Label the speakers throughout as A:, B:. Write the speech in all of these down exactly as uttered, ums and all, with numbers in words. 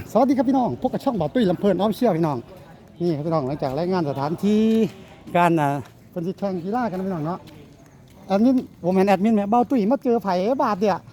A: สวัสดีครับพี่น้องพบกับช่องบ่าวตุ้ยลำเพลินออฟเชียลพี่น้องนี่ครับพี่น้องหลังจากรายงานสถานที่การอ่าเป็นสิแข่งกีฬากันนะพี่น้องเนาะแอดมินผมเห็นแอดมินแม่บ่าวตุ้ยมาเจอไผ่บาทเดีย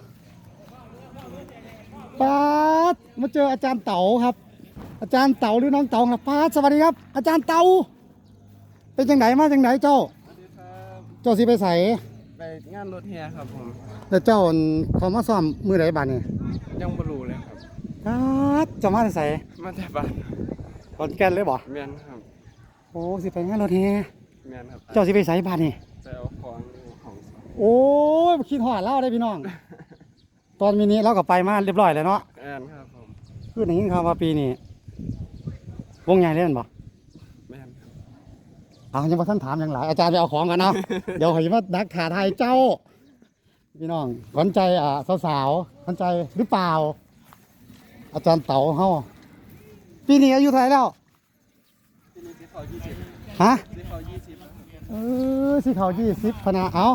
A: ปาดมาเจออาจารย์เต๋าครับ อาจารย์เต๋าหรือน้องเต๋าครับปาดสวัสดีครับ อาจารย์เต๋าเป็นจังไหนมาจังไหนเจ้าเจ้าสิไปใส่
B: ไปงานรถแห่ครับผม
A: แต่เจ้าเขามาซ้อมมือไหนบ้านนี่
B: ยังบ่รู้เลยครับ
A: ปาดเจ้ามาใส่
B: มาแต่บ้าน
A: ขอนแก่นเลยบ่
B: แม่นครับ
A: โอ้สิไปงานรถแห่
B: แม่นครับ
A: เจ้าสิไปใส่บ้านนี่
B: ไปเอาของของ
A: โอ้ยคิดหอดเล่าได้พี่น้อง ตอนมินิเราก็ไปมาเรียบร้อยแล้วเนาะ
B: แม่นครับผม
A: คืออย่างนี้ครับว่าปีนี้วงใหญ่เล่นบ่
B: แม่นครับ
A: เอายังมาท่านถามอย่างไรอาจารย์ไปเอาของกันเนาะ เดี๋ยวเขาจะมาดักขาไทยเจ้าพี่น้องขวัญใจอ่าสาวๆขวัญใจหรือเปล่าอาจารย์เต๋าเฮาปีนี้อายุเท่าไหร่แล้ว
B: ปีนี้สิเขายี่สิบ
A: ฮะ
B: สิเขายี่สิบ
A: เออสิเขายี่สิบพนาเอา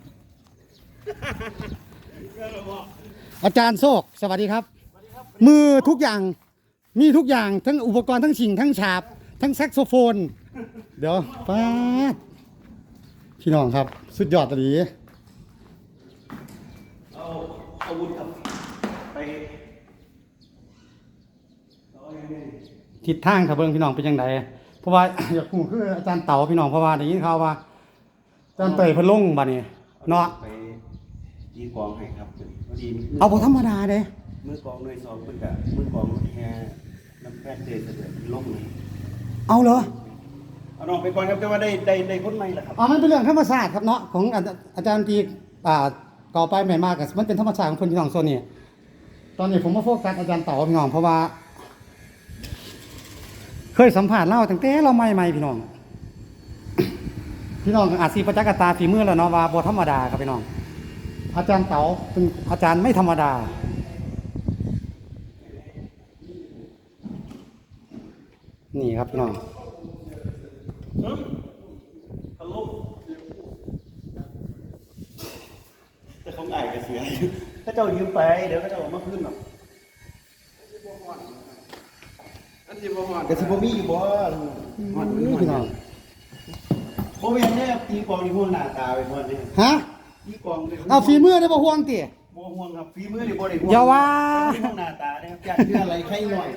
A: อาจารย์โชคสวัสดีครับมือทุกอย่างมีทุกอย่างทั้งอุปกรณ์ทั้งชิงทั้งฉาบทั้งแซกโซโฟนเดี๋ยวป้าพี่น้องครับสุดยอดเลยเอาอาวุธครับไปทิศทางครับเบิ้งพี่น้องเป็นยังไงเพราะว่าอยากพูดคืออาจารย์เต๋าพี่น้องเพราะว่าได้ยินข่าวว่าอาจารย์เตยเพิ่นลงบัดนี้เนาะ
C: ไปตีกองให้ครับพอดี
A: เอาบ่ธรรมดาเด้
C: มือกองหน่วยสองเพิ่นก็มือกองแค่น้ำแป้งเตยเสด็จลงเลย
A: เอาเหรอ
C: เอาน้องไปก่อนครับแต่ว่าได้ได้ได้คนใหม่ล่ะครับ
A: อ๋อมันเป็นเรื่องธรรมชาติครับเนาะของอาจารย์ตีอ่าก่อไปใหม่มากกับมันเป็นธรรมชาติของคนพี่น้องโซนนี้ตอนนี้ผมมาโฟกัสอาจารย์เต๋าพี่น้องเพราะว่าเคยสัมผัสเล่าตั้งแต่เราใหม่ๆพี่น้อง พี่น้องอาจสีประจักษ์ตาฝีมือแล้วเนาะว่าบ่ธรรมดาครับพี่น้องอาจารย์เต๋าเป็นอาจารย์ไม่ธรรมดานี่ครับพี่น้อง
C: แต่ของไอ้ก็เสียถ้าเจ้ายืมไปเดี๋ยวเขาจะเอามาคืนหรอก
B: อันที่บ่ฮอด
C: แต่สิบ่มีอยู่บ่ฮอด
A: พี่น้อง
C: บ่แม่นแน่ตีกองนี่ห่วงหน้าตาไปหมดนี่
A: ฮะ
C: ตีกองนี่
A: เอาฝีมือได้บ่ห่วงติ
C: บ่ห่วงครับฝีมือนี่บ่ได้ห่วง
A: อย่าว่า
C: ห่วงหน้าตาเด้ครับอยากเชื่ออะไรใครหน่อย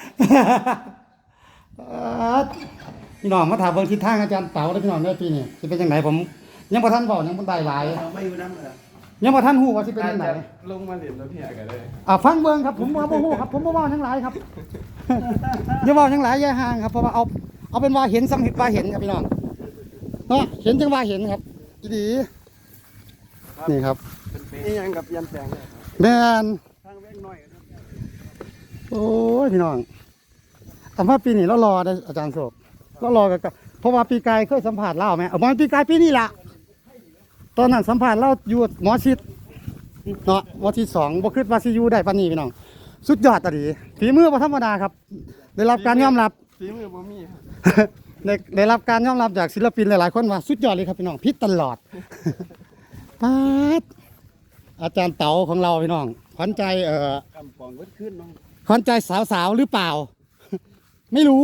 A: พี่น้องมาถามเบิ่งทิศทางอาจารย์เต๋าได้พี่น้องได้ปีนี้สิเป็นจังไดผมยังบ่ทันเว้ายังบ่ได้หลาย
C: ไม่อยู่นำเด้อ
A: ยังบ่ทันฮู้ว่าสิเป็นจังได
B: ลงมาเล่นรถแห่กันได้
A: อ่าฟังเบิ่งครับผมบ่ฮู้ครับผมบ่เว้าทั้งหลายครับอย่าเว้าทั้งหลายอย่าห่างครับเพราะว่าเอาเอาเป็นว่าเห็นสำเห็นว่าเห็นครับพี่น้องเนาะเห็นจังว่าเห็นครับดีนี่ครับ
B: นี่ยังกับยันแสง
A: แม่น
B: ทางเว้งน้อย
A: โอ้ยพี่น้องแต่ว่าปีนี้เรารอได้อาจารย์โศกเรารอกันเพราะว่าปีกายเคยสัมผัสเล่าไหมเอามาปีกายปีนี้ละตอนนั้นสัมผัสเล่าอยู่หมอชิดเนาะหมอชิดสองบ่คิดว่าซียูได้ปานนี้พี่น้องสุดยอดตะดีฝีมือบ่ธรรมดาครับได้รับการยอมรับ
B: ฝีมือบ่มี
A: ได้ได้รับการยอมรับจากศิลปินหลายๆคนว่าสุดยอดเลยครับพี่น้องพิษตลอดป๊าดอาจารย์เต๋าของเราพี่น้องขวัญใจเอ่อก
C: ำปองเวิดขึ้นน้อง
A: ขวัญใจสาวๆหรือเปล่าไม่รู้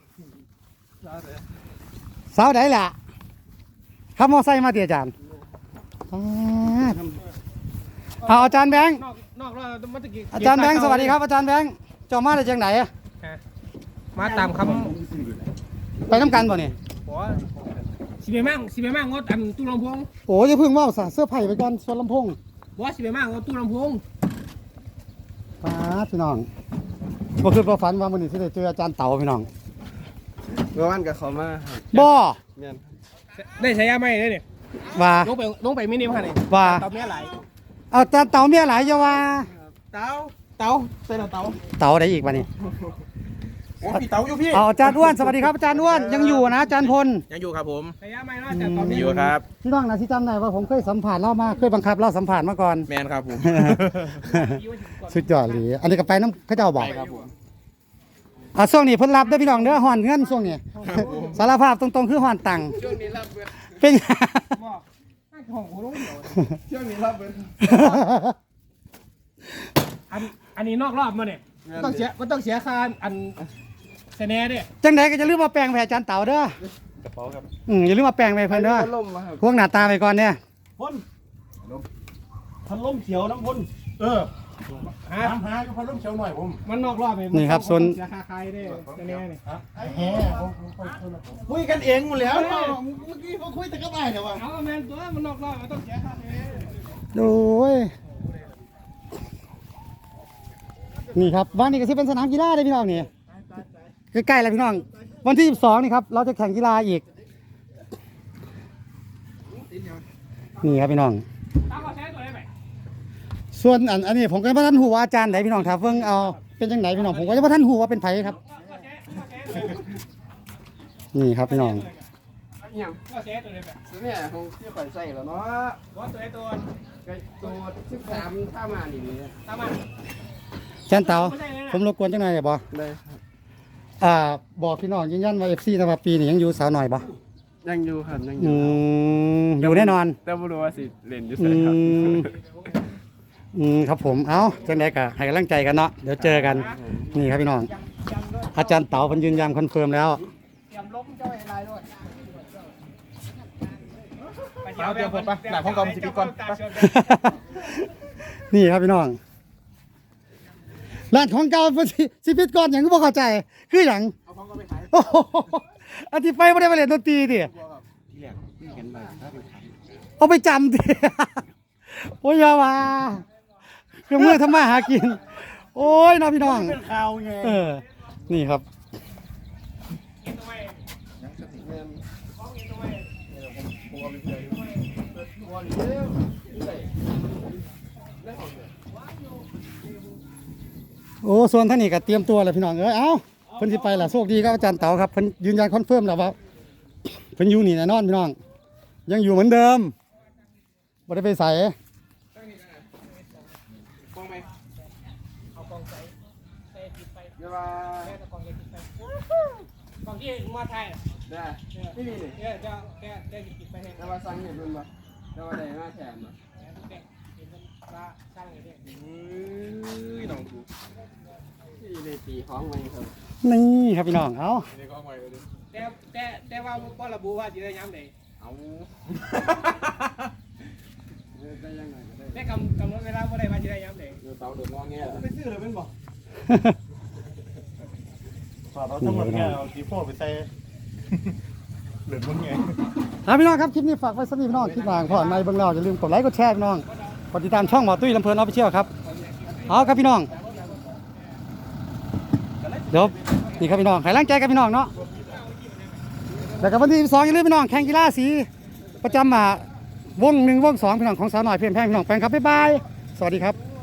A: สาวไหนล่ะขับมอไซค์มาเตี๋ยอาจารย์เอาอาจารย์แบงค์อาจารย์แบงค์สวัสดีครับอาจารย์แบงค์เจ้ามาได้จังไหน
D: มาตามคำ
A: ไปน้ำกันบ่เนี่ย
D: สิไปมั่งสิไปมั่งงดอันตู้ลำโพง
A: โอ้ยเพิ่งว่าสเสื้อไผ่ไปก่อนส่วนลำโพง
D: บอสสิไปมั่งงดตู้ลำโพง
A: ป้าพี่น้องบ่คือบ่ฝันว่ามื้อนี้สิได้เจออาจารย์เต๋าพี่น้อง
B: เมื่อวานกับเขามา
A: บ่
D: แม่นได้ใช้ยาไหมได้เนี่ย
A: ว่า
D: ลงไปลงไปมินิมาเนี่ย
A: ว่า
D: เต๋าเมียหลาย
A: เอาอาจารย์เต๋าเมียหลายอย่าว่า
D: เต๋าเต๋าเป็นเต๋า
A: เต๋าได้อีกบัดนี้
D: โอ้พี่เต๋าอยู่พี่
A: เอาอาจารย์อ้วนสวัสดีครับอาจารย์อ้วนยังอยู่นะอาจารย์พล
D: ยังอยู่ครับผมใช้ยาไหมนะอาจารย์ตอนนี้
B: อยู่ครับ
A: พี่น้องนะที่จำได้ว่าผมเคยสัมผัสเล่ามาเคยบังคับเล่าสัมผัสมาก่อน
B: แมนครับผม
A: สุดยอดเลยอันนี้ก็ไปน้ำข้าเจ้าบอกอ่ะช่วงนี้เพิ่นรับได้พี่น้องเด้อห่อนเงินช่วงนี้สารภาพตรงๆคือห่อนตังค์
B: ช่วงนี้รับเบิด
A: เป็น
D: ช่วงนี้รับเบิดอันอันนี้นอกรอบมาเนี่ยมันต้องเสียมันต้องเสียค่าอันเสน่ห์เนี่ย
A: จังไดก็จะลืมมาแปลงไปอาจารย์เต่าเด้อก
C: ระเป๋าครับ
A: อืมอย่าลืมมาแปลงไปเพิ่นเด้อ
B: พัดลมมาครับ
A: พวกหน้าตาไปก่อนเนี่ย
C: พ่นพัดลมเขียวน้ำพ่นเออ
D: ฮะ
C: ถามหาอยู่พัดลมเขียวหน่อยผม
D: มันนอกรอบเลย
A: นี่ครับส่วน
D: เสียค่าใครได้เสน่ห์เนี่ย
C: แฮ่คุยกันเองหมดแล้วเนาะเมื่อกี้เขาคุยแต่กับไอ้แต่ว่า
D: เอาแมนตัวมันนอกรอบมันต้องเสียค่าเสน่ห์
A: โอ้ยนี่ครับวันนี้ก็สิเป็นสนามกีฬาได้อพี่น้องนี่ใกล้ๆแล้วพี่น้อง วันที่สิบสองนี่ครับเราจะแข่งกีฬาอีกนี่ครับพี่น้อง
D: ตามก็ใช้ตัวได้ไหม
A: ส่วนอันอันนี้ผมก็บ่ทันฮู้ว่าอาจารย์ไหนพี่น้องถ้าเพิ่งเอาเป็นจังไดพี่น้องผมก็ยังบ่ทันฮู้ว่าเป็นไผครับ
D: ก็ใช้ก็ใช้เลย
A: นี่ครับพี่น้อง
B: อย่าง
D: ก็ใช้ตัวได้ไหม
B: ตัวเนี่ยคงที่ข่อยใส่แล้วเนาะ
D: ตัวตัวตัว
B: ไอ้ตัวสิบสามถ้ามานี่นี่
D: ตามมา
A: อาจารย์เต๋าผมรบกวนจังหน่อยได้บ่
B: เลยครับ
A: อ่าบอกพี่น้องยืนยันว่า เอฟ ซี นะว่าปีนี้ยังอยู่สาวหน่อยบ่
B: ยังอยู่ครับยังอ
A: อื
B: ยู่
A: มอยู่แน่นอน
B: แต่ไม่รู้ว่าสิเล่นอยู่
A: อื
B: ใส่ครับ
A: มอืมครับผมเอ้าจังไดก็ให้กำลังใจกันเนาะเดี๋ยวเจอกันนี่ครับพี่น้อง อาจารย์เต๋าเพิ่นยืนยันคอนเฟิร์มแล้ว
D: เตรียมล้มเจ้าอะไรด้วย
B: เอาเดี๋ยวผมไปหลังห้องกอมสิบปีก่อนไป
A: นี่ครับพี่น้องร้านของเก่าเพิ่นสิสิปิดก่อนหยังก็บ่เข้าใจ คือหยัง
B: เอาห้องก็ไปขาย
A: โอ้โหอันที่ไปบ่ได้ไปเล่นดนตรีติ
C: ที่แรกที่เห็นมาถ้าเป็นขัน
A: เอาไปจำติ โอ้ยอย่าว่าเครื่องมือทำมาหากิน โอ้ยน้องพี่น้อง
C: เป็นข่าวไง
A: เออ นี่ครับ โอ้ ส่วนท่านนี่ก็เตรียมตัวแล้วพี่น้องเอ้ย เอ้าเพิ่นสิไปล่ะโชคดีครับอาจารย์เต๋าครับเพิ่นยืนยันคอนเฟิร์มแล้วว่าเพิ่นอยู่นี่แน่นอนพี่น้อง ยังอยู่เหมือนเดิมบ่ได้ไปใส่
B: กองไหม
D: เอากองใส่ใส่ติดไป
B: เดี๋ยวว่า
D: แม่ตะกองใส่ติดไปกองที่มาไทย
B: ได้ไม่มีเลย
D: เนี่ยจะแค่ได้ติดไปให้
B: เดี๋ยวว่าสั่งเห็นมันบ่เดี๋ยวว่าได้มาแถมบ่
D: เห็นมันปลาช่างอย่างนี้
B: อุ้ยน้องกูที่เลยตีของไว้ครับ
A: นี่ครับพี่น้อง เอ้า
B: ตีของไว้เลย
D: แต่แต่แต่ว่าบ่ระบุว่าสิได้ย้ำไหน
B: เอาได้ยังไงก็ได้
D: แต่กำกำหนดเวลาบ่ได้ว่าสิได้ย้ำไหน
B: เดี๋ยวเตาเดือดร้อนเงี้ยไปซื้อเลยเป็นบ่
C: ฝากเราทั้งหมดเนี่ยเอาสีโฟไปใส่เหลือมึงไง
A: ครับพี่น้องครับคลิปนี้ฝากไว้สำหรับพี่น้องคลิปหลังผ่อนในเบื้องเราอย่าลืมกดไลค์กดแชร์พี่น้องกดติดตามช่องหมอตุ้ยลำเพลินออฟฟิเชียลครับเอาครับพี่น้องเดี๋ยวนี่ครับพี่น้องให้ร่างใจกับพี่น้องเนาะแล้วก็วันที่สิบสองอย่าลืมพี่น้องแข่งกีฬาสีประจำมาวงหนึ่งวงสองพี่น้องของสาวหน่อยเพียงแพงพี่น้องแฟนครับบ๊ายบายสวัสดีครับ